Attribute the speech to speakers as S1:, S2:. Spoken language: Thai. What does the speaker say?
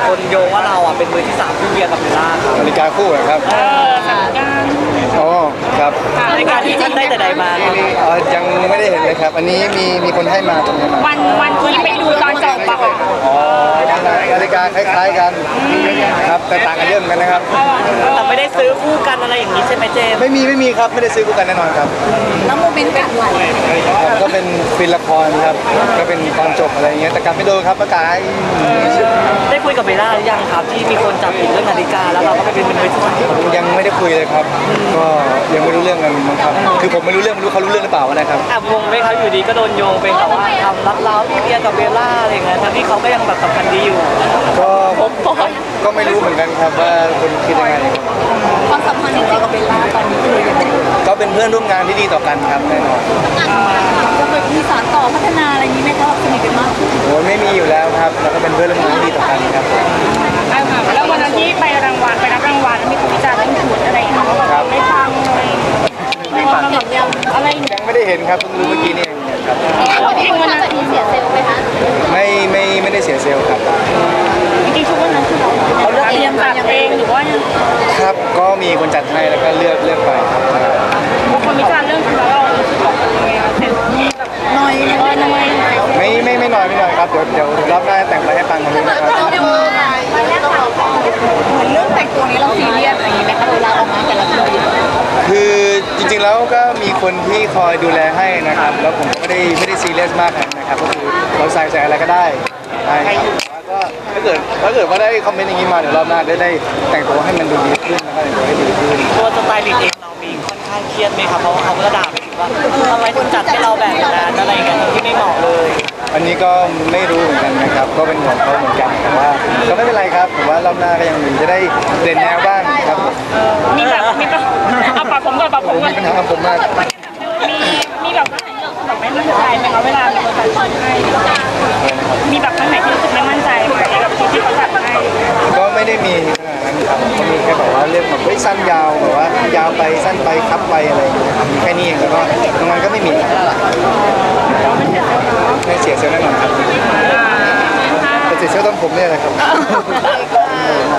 S1: คนโยงว่าเราอ่ะเป็นมือที่สามคู่เบียร์กับเบลล่าครับ
S2: นาฬิกาคู่เหรอครับ
S3: สามการ
S2: อ๋อครับ
S1: ในการที่ท่านได้แต่ใดมาครับ
S2: ยังไม่ได้เห็นเลยครับ อันนี้มีคนให้มาตรงนี้มา
S3: วันที่ไปดูตอนจบปะคะ
S2: อ๋อนาฬิกาคล้ายๆกันครับแต่ต่างกันเยอะเหมือนกันนะครับ
S1: แต่ไม่ได้ซื้อคู่กันอะไรอย่างนี้ใช่ไหมเจมส์
S2: ไม่มีครับไม่ได้ซื้อคู่กันแน่นอนครับ
S3: แล้วโมเมนต์แบบไหน
S2: ครับก็เป็นฟิล์มละครครับก็เป็นตอนจบอะไรอย่างเงี้ยแต่กลับไม่โดนครับประกาย
S1: ได้คุยกับเบลล่าหรือยังครับที่มีคนจับผิดเรื่องนาฬิกาแล้วเราก็ไปเป็นมือที่สาม
S2: ยังไม่ได้คุยเลยครับ ก็ยังไม่รู้เรื่องกันมั้งครับคือผมไม่รู้เรื่องไม่รู้เขารู้เรื่องหรือเปล่านะครับ
S1: แอบงงไหมครับอยู่ดีก็โดนโยงเป็นแบบว่าทำรับเล้าพี่เบียร์กับเบลล่าอะไรเงี้ยทั้งที่เขาก็ยังแบบสัมพันธ์ดีอยู่
S2: ก็ไม่รู้เหมือนกันครับว่าคุณคิดยังไง
S3: ความสัมพันธ์ของเรากับเบลล่าตอนนี้คือยังไง
S2: ก็เป็นเพื่อนร่วมงานที่ดีต่อกันครับแน่นอน
S3: จะแบบมีสารต่อพัฒนาอะไรนี้ไหมคะสนิทกันมากขึ้น
S2: โอ้ยไม่มีอยู่แล้วครับแล้วก็เป็นเพื่อนร่วมงานที่ดีต่อกันครับ
S3: แล้ววันนั้นที่ไปรับรางวัลมีคนวิจารณ์เรื่องชุดอะไรอย่างเงี้ยว่าแบบไม่ฟังเลยไม่ฟังอะไร
S2: ยังไม่ได้เห็นครับเพิ่งรู้เมื่อกี้นี่เองครับ
S3: จริงวันนั้นเสียเซลล์ไหมคะ
S2: ไม่ได้เสียเซลล์ครับ
S3: จริงๆชุดวันนั้นคือเราเลือกเรียนจัดเองหรือว่า
S2: ครับก็มีคนจัดให้แล้วก็เลือกไปครับ
S3: คนวิจารณ์เรื่องชุดแล้วเรารู้สึกแบบยังไงคะเสร็จแบบน้อย
S2: ไม่น้อยครับเดี๋ยวรอบหน้าแต่งไปให้ปังกว่านี้นะครับ
S3: เหมือนเรื่องแต่งตัวนี้เราซีเรียสอะไรอย่างเงี้ยไหมคะเวลาออกมาแต่ละที
S2: คือจริงๆแล้วก็มีคนที่คอยดูแลให้นะครับแล้วผมก็ไม่ได้ซีเรียสมากนะครับก็คือเราใส่อะไรก็ได้ใช่ครับแล้วก็ถ้าเกิดว่าได้คอมเมนต์อย่างนี้มาเดี๋ยวรอบหน้าได้แต่งตัวให้มันดูดีขึ้นแล้วก็แต่งตัวให้ดีขึ้น
S1: ตัวสไตลิสต์เองเรามีค่อนข้างเครียดไหมครับเพราะว่าเขาก็ด่าไปถึงว่าทำไมถึงจัดให้เราแบบนั้นอะไรอย่างเงี้ยที่ไม่เหมาะเลย
S2: อันนี้ก็ไม่รู้เหมือนกันนะครับก็เป็นของเขาเหมือนกันแต่ว่าก็ไม่เป็นไรครับผมว่ารอบหน้าก็ยังมีจะได้เปลี่ยนแนวบ้างครับ
S3: มีแบบเอาปากผมก่อนปากผมก่อน
S2: มีปัญหากับผมมาก
S3: มีแบบว่าไหนที่เราแบบไม่มั่นใจไหมคะเวลามีคนจัดชุดให้มีแบบคนไหนที่รู้สึกไม่มั่นใจไหมกับชุดที่เขาจัดให้
S2: ก็ไม่ได้มีขนาดนั้นครับก็มีแค่แบบว่าเรื่องแบบสั้นยาวแบบว่ายาวไปสั้นไปคับไปอะไรอย่างเงี้ยครับมีแค่นี้เองแล้วก็ตรงนั้นก็ไม่มีไม่เสียเซลล์แน่นอนครับแต่เสียเซลล์ต้นผมเนี่ยแหละครับ